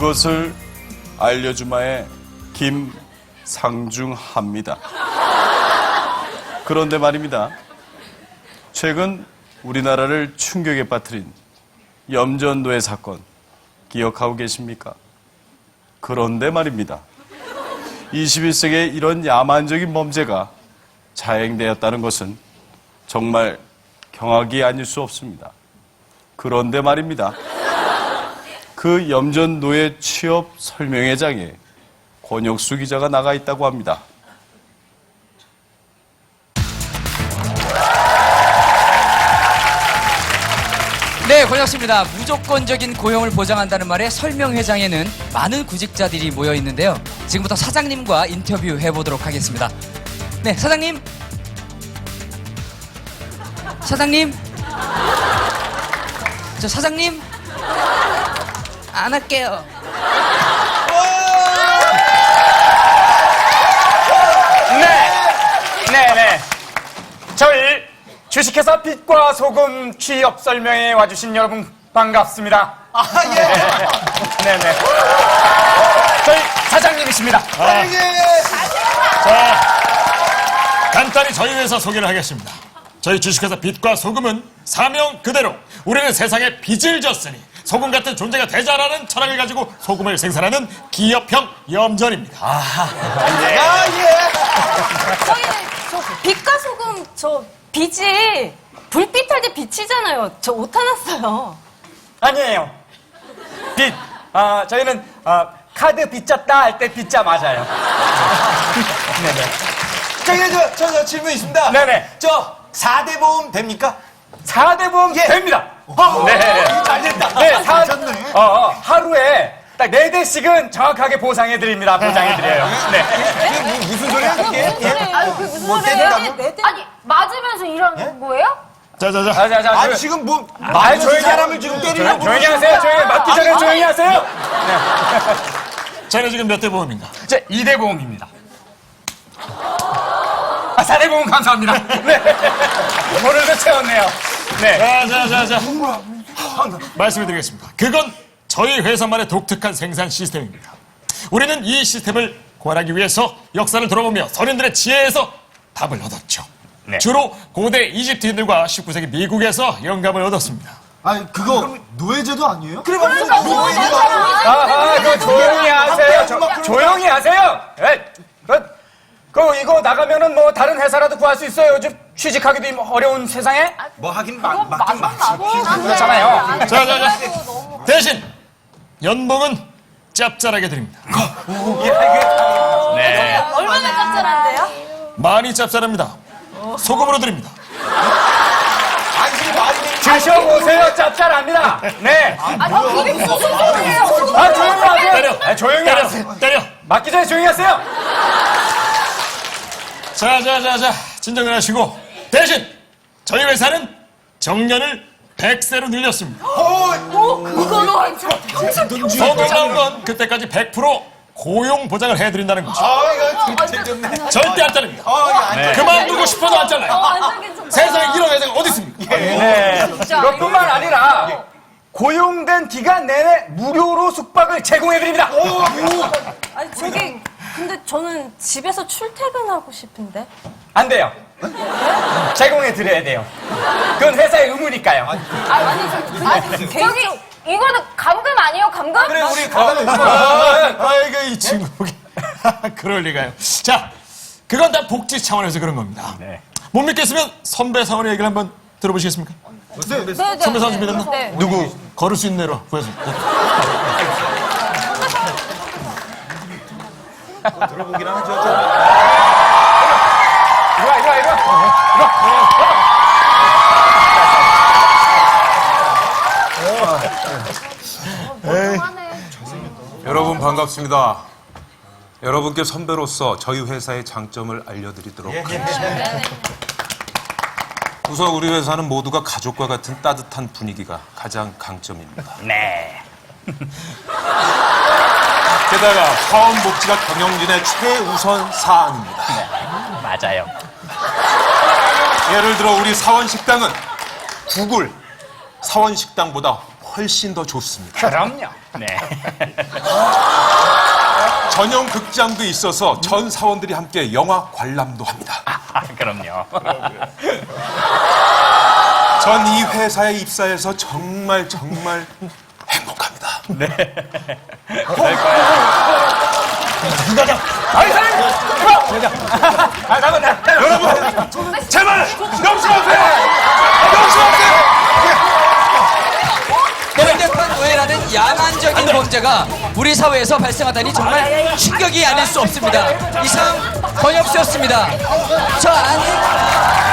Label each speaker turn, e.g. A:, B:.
A: 그것을 알려주마의 김상중하입니다. 그런데 말입니다. 최근 우리나라를 충격에 빠뜨린 염전노예 사건 기억하고 계십니까? 그런데 말입니다. 21세기에 이런 야만적인 범죄가 자행되었다는 것은 정말 경악이 아닐 수 없습니다. 그런데 말입니다. 그 염전노예 취업 설명회장에 권혁수 기자가 나가 있다고 합니다.
B: 네, 권혁수입니다. 무조건적인 고용을 보장한다는 말에 설명회장에는 많은 구직자들이 모여 있는데요. 지금부터 사장님과 인터뷰 해보도록 하겠습니다. 네, 사장님. 사장님. 저 사장님. 안 할게요.
C: 네. 저희 주식회사 빛과 소금 취업 설명회에 와주신 여러분 반갑습니다. 네네. 저희 사장님이십니다.
D: 자, 간단히 저희 회사 소개를 하겠습니다. 저희 주식회사 빛과 소금은 사명 그대로 우리는 세상에 빚을 졌으니 소금 같은 존재가 되자라는 철학을 가지고 소금을 생산하는 기업형 염전입니다.
E: 저희는 저 빛과 소금 저 빛이 불빛 할 때 빛이잖아요. 저 오타 났어요.
C: 아니에요. 빛. 저희는 카드 빚졌다 할 때 빚자 맞아요. 네네.
F: 저 질문 있습니다.
C: 네네.
F: 저 4대 보험 됩니까?
C: 4대 보험 됩니다. 네.
F: 잘 됐다.
C: 네,
F: 괜찮네.
C: 하루에 딱 4대씩은 정확하게 보상해드립니다. 보장해드려요. 네.
F: 이게 무슨 소리야, 그게?
E: 아니 그게 무슨
F: 뭐
E: 소리예요?
F: 때린다고?
E: 아니 맞으면서 일하는 거예요?
D: 자자자.
C: 자,
F: 아니, 지금 뭐,
C: 조용히
F: 조용히 사람을 지금 때리려고.
C: 조용히 하세요. 조용히 맞기 전에 조용히 하세요.
D: 저는 지금 몇 대 보험인가?
C: 제 2대 보험입니다. 4대 보험 감사합니다. 네. 오늘도 채웠네요. 네.
D: 자자자자. 말씀을 드리겠습니다. 그건 저희 회사만의 독특한 생산 시스템입니다. 우리는 이 시스템을 고안하기 위해서 역사를 돌아보며 선인들의 지혜에서 답을 얻었죠.
C: 네.
D: 주로 고대 이집트인들과 19세기 미국에서 영감을 얻었습니다.
F: 아니, 그거 노예제도 아니에요? 그래,
C: 그거 조용히 하세요. 조용히 하세요. 이거 나가면은 뭐 다른 회사라도 구할 수 있어요. 요즘 취직하기도 어려운 세상에.
F: 뭐 하긴 맞긴 맞지.
C: 그렇잖아요.
D: 자자자. 대신 연봉은 짭짤하게 드립니다.
C: 네.
E: 얼마나 짭짤한데요?
D: 많이 짭짤합니다. 소금으로 드립니다.
C: 드셔보세요. 짭짤합니다. 네.
E: 그게 무슨 소리예요?
C: 조용히 하세요.
D: 때려.
C: 조용히 하세요.
D: 때려.
C: 맞기 전에 조용히 하세요.
D: 자자자자. 진정을 하시고 대신 저희 회사는 정년을 100세로 늘렸습니다.
E: 그걸로
D: 더 놀라운 건 그때까지 100% 고용 보장을 해드린다는 거죠. 절대 안 자릅니다. 그만두고 싶어도 안 잘라요.
E: 완전 괜찮다.
D: 세상에 이런 회사가 어디 있습니까?
C: 네. 그것뿐만 아니라 고용된 기간 내내 무료로 숙박을 제공해드립니다.
E: 아니 저기 근데 저는 집에서 출퇴근하고 싶은데.
C: 안 돼요. 제공해드려야 돼요. 그건 회사의 의무니까요.
E: 아니 저기 이거는 감금 아니에요? 감금?
F: 그래, 우리 가다가
D: 아이고 이 친구. 그럴 리가요. 자, 그건 다 복지 차원에서 그런 겁니다.
C: 네.
D: 못 믿겠으면 선배 사원의 얘기를 한번 들어보시겠습니까?
E: 네.
D: 선배 사원 준비됐나?
E: 네.
D: 누구? 걸을 수 있는 대로 구해서.
F: 들어보긴 하죠.
C: 이리 와.
G: 여러분 반갑습니다. 여러분께 선배로서 저희 회사의 장점을 알려드리도록 하겠습니다. 우선 우리 회사는 모두가 가족과 같은 따뜻한 분위기가 가장 강점입니다.
C: 네.
G: 게다가 사원복지가 경영진의 최우선 사안입니다.
C: 맞아요.
G: 예를 들어 우리 사원식당은 구글 사원식당보다 훨씬 더 좋습니다.
C: 그럼요. 네.
G: 전용 극장도 있어서 전 사원들이 함께 영화 관람도 합니다.
C: 그럼요.
G: 전 이 회사에 입사해서 정말 행복합니다.
C: 여러분,
G: 제발 명심하세요.
B: 명백한 노예라는 야만적인 범죄가 우리 사회에서 발생하다니 정말 충격이 아닐 수 없습니다. 이상 권혁수였습니다. 저 안에